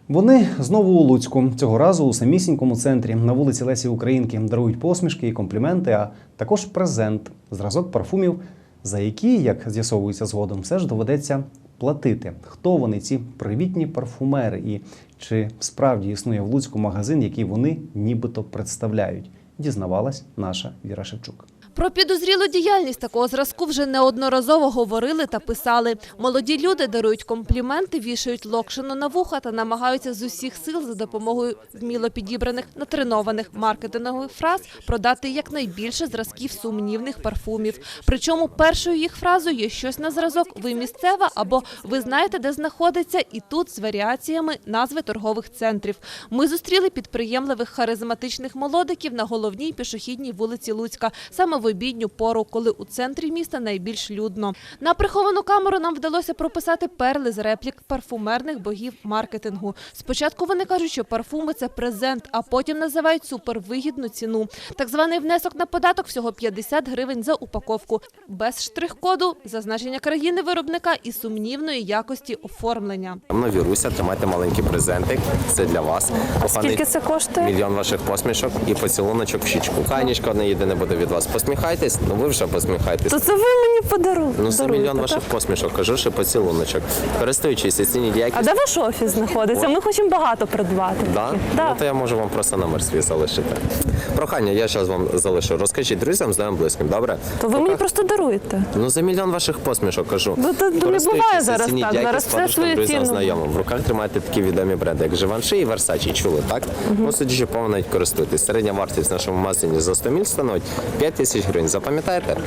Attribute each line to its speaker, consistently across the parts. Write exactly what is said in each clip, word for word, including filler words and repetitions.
Speaker 1: Вони знову у Луцьку. Цього разу у самісінькому центрі на вулиці Лесі Українки дарують посмішки і компліменти, а також презент – зразок парфумів, за які, як з'ясовується згодом, все ж доведеться платити. Хто вони, ці привітні парфумери, і чи справді існує в Луцьку магазин, який вони нібито представляють, дізнавалась наша Віра Шевчук.
Speaker 2: Про підозрілу діяльність такого зразку вже неодноразово говорили та писали. Молоді люди дарують компліменти, вішають локшину на вуха та намагаються з усіх сил за допомогою вміло підібраних, натренованих маркетингових фраз продати якнайбільше зразків сумнівних парфумів. Причому першою їх фразою є щось на зразок «Ви місцева» або «Ви знаєте, де знаходиться» і тут з варіаціями назви торгових центрів. Ми зустріли підприємливих харизматичних молодиків на головній пішохідній вулиці Луцька. Саме в обідню пору, коли у центрі міста найбільш людно. На приховану камеру нам вдалося прописати перли з реплік парфумерних богів маркетингу. Спочатку вони кажуть, що парфуми – це презент, а потім називають супервигідну ціну. Так званий внесок на податок – всього п'ятдесят гривень за упаковку. Без штрих-коду, зазначення країни виробника і сумнівної якості оформлення.
Speaker 3: Ну, Віруся, тримайте маленький презентик, це для вас.
Speaker 4: А скільки це коштує?
Speaker 3: Мільйон ваших посмішок і поцілуночок в щічку. Кайнічка одне єдине буде від вас. Посміхайтесь, ну ви вже посміхайтесь.
Speaker 4: То це ви мені подаруєте?
Speaker 3: Ну, це мільйон ваших посмішок, кажу, що поцілуночок. Користуючись оцініть якість.
Speaker 4: А де ваш офіс знаходиться? Ми хочемо багато придбати.
Speaker 3: Да?
Speaker 4: Да.
Speaker 3: Ну, то я можу вам просто номер свій залишити. Прохання, я зараз вам залишу. Розкажіть друзям, знайомим, близьким, добре?
Speaker 4: То ви мені просто даруєте.
Speaker 3: Ну, за мільйон ваших посмішок, кажу.
Speaker 4: Ну, то не буває зараз так. Зараз все свою
Speaker 3: друзям,
Speaker 4: ціну.
Speaker 3: знайомим. В руках тримаєте такі відомі бренди, як Живанши і Versace. Чули, так? Угу. Ну, судячи по навіть користуйтесь. Середня вартість в нашому магазині за сто міль становить п'ять тисяч гривень. Запам'ятаєте?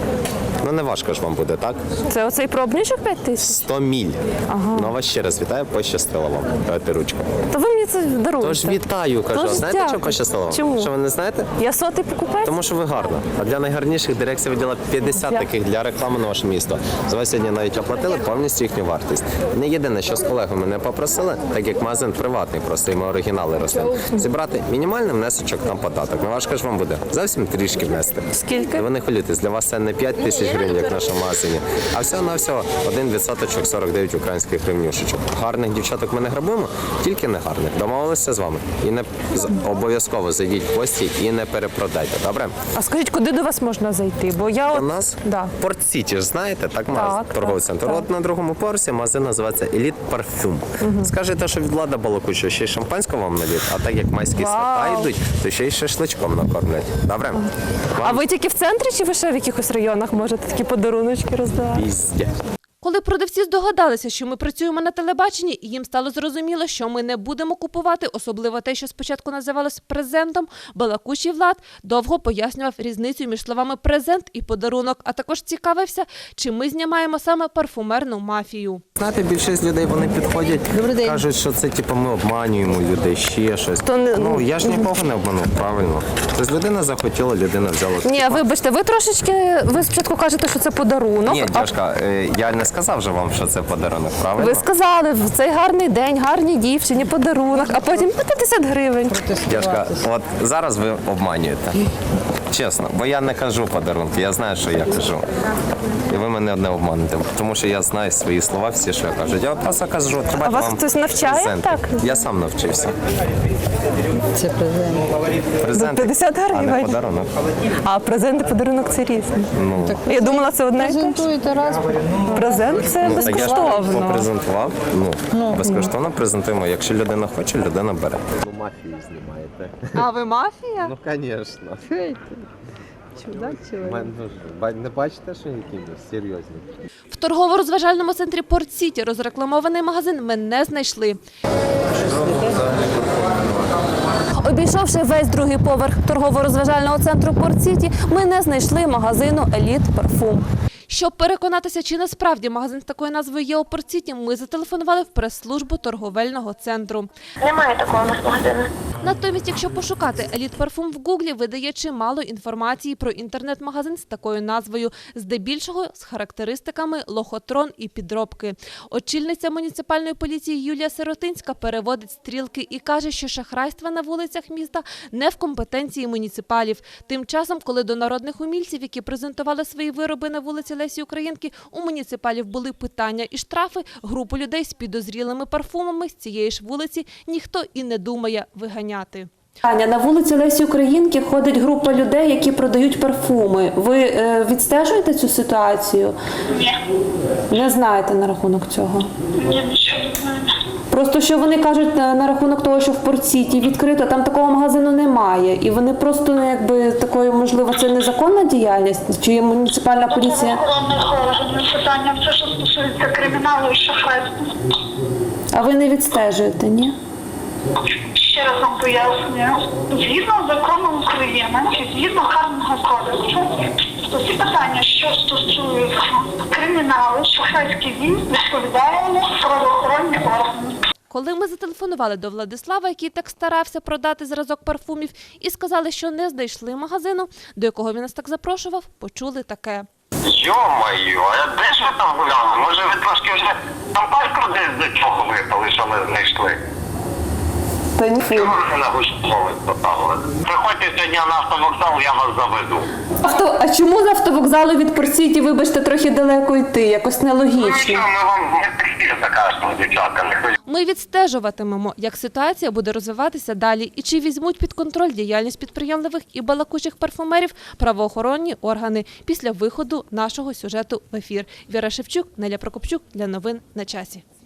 Speaker 3: Ну, не важко ж вам буде, так?
Speaker 4: Це оцей пробничок п'ять тисяч?
Speaker 3: сто міль. Ага. Ну, вас ще раз вітаю, пощастило вам. Давайте ручку.
Speaker 4: То ви мені це даруєте.
Speaker 3: Тож вітаю, кажу.
Speaker 4: Тож
Speaker 3: знаєте,
Speaker 4: дякую.
Speaker 3: чому пощастило вам?
Speaker 4: Чому?
Speaker 3: Що ви не знаєте?
Speaker 4: Я сотий покупець?
Speaker 3: Тому що ви гарна. А для найгарніших дирекція виділа п'ятдесят
Speaker 4: Дякую.
Speaker 3: таких для реклами на ваше місто. За вас сьогодні навіть оплатили повністю їхню вартість. Не єдине, що з колегами мене попросили, так як магазин приватний, просто і ми оригінали рослин, зібрати мінімальний внесочок на податок. Не важко ж вам буде. Зовсім трішки внести.
Speaker 4: Скільки?
Speaker 3: І ви не хвилюйтесь, для вас це не п'ять тисяч гривень, як в нашому магазині, а всього-навсього один відсоточок сорок дев'ять українських гривнюшечок. Гарних дівчаток ми не грабуємо, тільки не гарних. Домовилися з вами. І не обов'язково зайдіть в гості і не перепродайте, добре?
Speaker 4: А скажіть, куди до вас можна зайти? Бо я
Speaker 3: У
Speaker 4: от...
Speaker 3: нас
Speaker 4: Да.
Speaker 3: Порт-Сіті ж знаєте, так,
Speaker 4: Так,
Speaker 3: торговий
Speaker 4: так,
Speaker 3: центр.
Speaker 4: так.
Speaker 3: От на другому поверсі магазин називається Еліт Парфюм. Угу. Скажете, що від Влада балакучого ще й шампанського вам наліт, а так як майські
Speaker 4: Вау.
Speaker 3: свята йдуть, то ще й шашличком накормлять. Добре? Вам
Speaker 4: А ви тільки в центрі чи ви ще в якихось районах можете такі подаруночки роздавати?
Speaker 3: пізде.
Speaker 2: Коли продавці здогадалися, що ми працюємо на телебаченні, і їм стало зрозуміло, що ми не будемо купувати, особливо те, що спочатку називалось презентом, балакучий Влад довго пояснював різницю між словами «презент» і «подарунок», а також цікавився, чи ми знімаємо саме парфумерну мафію.
Speaker 3: Знаєте, більшість людей вони підходять, кажуть, що це типу ми обманюємо людей, ще щось.
Speaker 4: То не-
Speaker 3: Ну, я ж нікого не обманув, правильно. Тобто людина захотіла, людина взяла.
Speaker 4: Ні, вибачте, ви трошечки, ви спочатку кажете, що це подарунок.
Speaker 3: Ні,
Speaker 4: а
Speaker 3: дядька, е, я не сказав же вам, що це подарунок, правильно?
Speaker 4: ви сказали, в цей гарний день, гарній дівчині, подарунок, а потім п'ятдесят гривень.
Speaker 3: Дядька, от зараз ви обманюєте. Чесно, бо я не кажу подарунки, я знаю, що я кажу. І ви мене не обманете, тому що я знаю свої слова, всі, що я кажу. Я просто кажу,
Speaker 4: А вас
Speaker 3: вам
Speaker 4: хтось навчає
Speaker 3: презенти.
Speaker 4: так?
Speaker 3: Я сам навчився.
Speaker 5: Це презент.
Speaker 3: Презенти,
Speaker 4: п'ятдесят
Speaker 3: а не
Speaker 4: гривень.
Speaker 3: подарунок.
Speaker 4: А презент і подарунок це різне.
Speaker 3: Ну,
Speaker 4: Я думала, це одне і те ж.
Speaker 5: Презентуєте раз.
Speaker 4: Презент це
Speaker 3: ну, так я ж
Speaker 4: безкоштовно.
Speaker 3: попрезентував. Ну, безкоштовно презентуємо. Якщо людина хоче, людина бере. Ну, мафію знімаєте.
Speaker 2: А ви мафія?
Speaker 3: Ну, звісно.
Speaker 5: Чудак чоловік.
Speaker 3: Не бачите, що які ми серйозні?
Speaker 2: В торгово-розважальному центрі Порт-Сіті розрекламований магазин ми не знайшли.
Speaker 4: Обійшовши весь другий поверх торгово-розважального центру Порт-Сіті, ми не знайшли магазину «Еліт Парфум».
Speaker 2: Щоб переконатися, чи насправді магазин з такою назвою є у Порт-Сіті, ми зателефонували в прес-службу торговельного центру.
Speaker 6: Немає такого у нас магазину.
Speaker 2: Натомість, якщо пошукати «Еліт Парфум» в Гуглі, видає чимало інформації про інтернет-магазин з такою назвою, здебільшого з характеристиками лохотрон і підробки. Очільниця муніципальної поліції Юлія Сиротинська переводить стрілки і каже, що шахрайства на вулицях міста не в компетенції муніципалів. Тим часом, коли до народних умільців, які презентували свої вироби на вулиці Лесі Українки у муніципалів були питання і штрафи, групу людей з підозрілими парфумами з цієї ж вулиці ніхто і не думає виганяти.
Speaker 4: Аня, на вулиці Лесі Українки ходить група людей, які продають парфуми. Ви е, відстежуєте цю ситуацію?
Speaker 6: Ні.
Speaker 4: Не знаєте на рахунок цього?
Speaker 6: Ні, нічого не знаю.
Speaker 4: Просто що вони кажуть на, на рахунок того, що в Порт-Сіті відкрито, там такого магазину немає. І вони просто, ну, якби, такою, можливо, це незаконна діяльність? Чи є муніципальна поліція?
Speaker 6: Правоохоронних органів питання, все, що стосується криміналу і шахрайства.
Speaker 4: А ви не відстежуєте, ні?
Speaker 6: Ще раз вам пояснюю. Згідно з законом України і згідно Карного кодексу, то всі питання, що стосуються криміналу, шахрайських дій, відповідаємо правоохоронні органи.
Speaker 2: Коли ми зателефонували до Владислава, який так старався продати зразок парфумів, і сказали, що не знайшли магазину, до якого він нас так запрошував, почули таке.
Speaker 7: Йо-моє, а де ж ви там гуляли? Може ви трошки вже там пальку десь до чого випали, що ми знайшли?
Speaker 4: Та ні.
Speaker 7: Чого ви на гуськовик поставили? Приходьте сьогодні на автовокзал, я вас заведу.
Speaker 4: Авто... А чому з автовокзалу від Порт-Сіті, вибачте, трохи далеко йти? Якось
Speaker 7: Ну
Speaker 4: нелогічно.
Speaker 7: що, ми вам не текстиль закажемо, дівчатка, не хвилюйтесь.
Speaker 2: Ми відстежуватимемо, як ситуація буде розвиватися далі і чи візьмуть під контроль діяльність підприємливих і балакучих парфумерів правоохоронні органи після виходу нашого сюжету в ефір. Віра Шевчук, Неля Прокопчук для новин на часі.